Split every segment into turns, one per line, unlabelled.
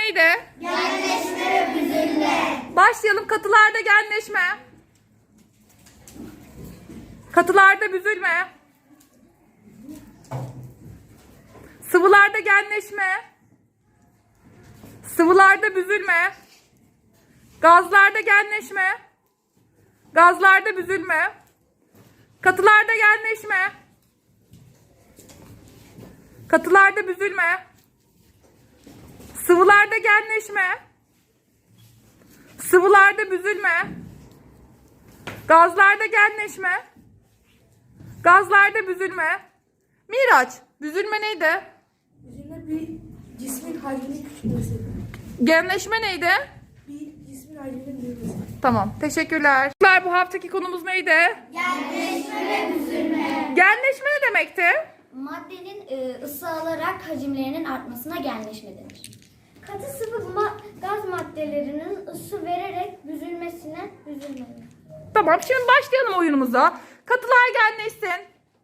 neydi?
Genleşme ve büzülme.
Başlayalım. Katılarda genleşme. Katılarda büzülme. Sıvılarda genleşme. Sıvılarda büzülme. Gazlarda genleşme. Gazlarda büzülme. Katılarda genleşme. Katılarda büzülme. Sıvılarda genleşme. Sıvılarda büzülme. Gazlarda genleşme. Gazlarda büzülme. Miraç, büzülme neydi?
Büzülme bir cismin hacminin küçülmesi.
Genleşme neydi?
Bir cismin hacminin büyümesi.
Tamam, teşekkürler. Bu haftaki konumuz neydi?
Genleşme ve büzülme.
Genleşme ne demekti?
Maddenin ısı alarak hacimlerinin artmasına genleşme denir. Katı sıvı gaz maddelerinin ısı vererek büzülmesine büzülme denir.
Tamam, şimdi başlayalım oyunumuza. Katılar genleşsin.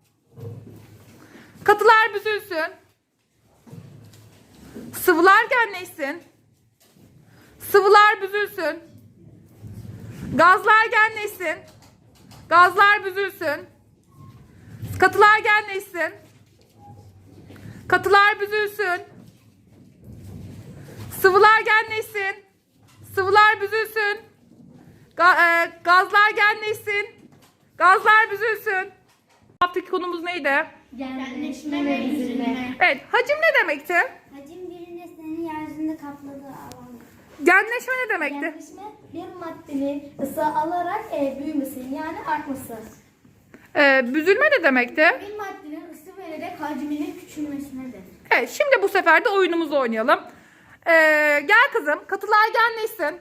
Katılar büzülsün. Sıvılar genleşsin. Sıvılar büzülsün. Gazlar genleşsin. Gazlar büzülsün. Katılar genleşsin. Katılar büzülsün. Sıvılar genleşsin. Sıvılar büzülsün. Gazlar genleşsin. Gazlar büzülsün. Haftaki konumuz neydi?
Genleşme ve büzülme.
Evet, hacim ne demekti?
Hacim bir nesnenin yeryüzünde kapladığı alan.
Genleşme ne demekti?
Genleşme bir maddenin ısı alarak büyümesi yani artması.
Büzülme ne demekti?
Bir maddenin ısı vererek hacminin küçülmesine denir.
Evet, şimdi bu sefer de oyunumuzu oynayalım. Gel kızım, katılar genleşsin.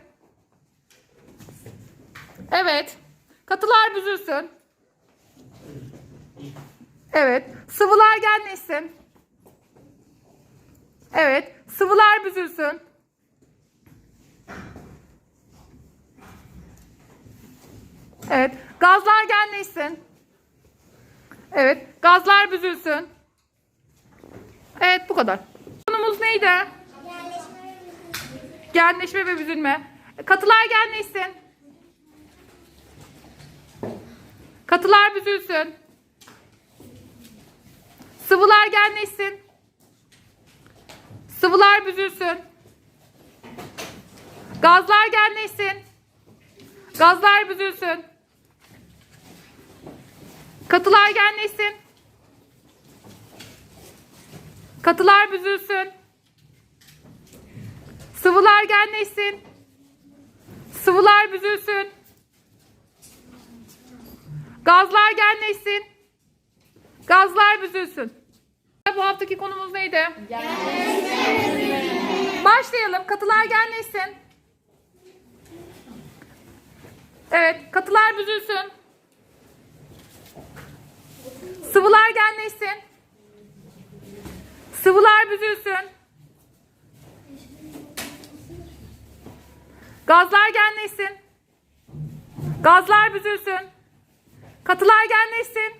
Evet, katılar büzülsün. Evet, sıvılar genleşsin. Evet, sıvılar büzülsün. Evet, gazlar genleşsin. Evet, gazlar büzülsün. Evet, bu kadar. Konumuz neydi? Genleşme ve büzülme. Katılar genleşsin. Katılar büzülsün. Sıvılar genleşsin. Sıvılar büzülsün. Gazlar genleşsin. Gazlar büzülsün. Katılar genleşsin. Katılar büzülsün. Sıvılar genleşsin. Sıvılar büzülsün. Gazlar genleşsin. Gazlar büzülsün. Bu haftaki konumuz neydi? Başlayalım. Katılar genleşsin. Evet, katılar büzülsün. Sıvılar genleşsin. Sıvılar büzülsün. Gazlar genleşsin. Gazlar büzülsün. Katılar genleşsin.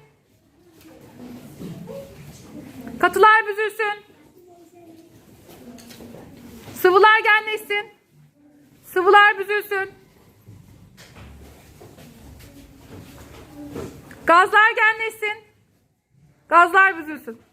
Katılar büzülsün. Sıvılar genleşsin. Sıvılar büzülsün. Gazlar genleşsin. Gazlar büzülsün.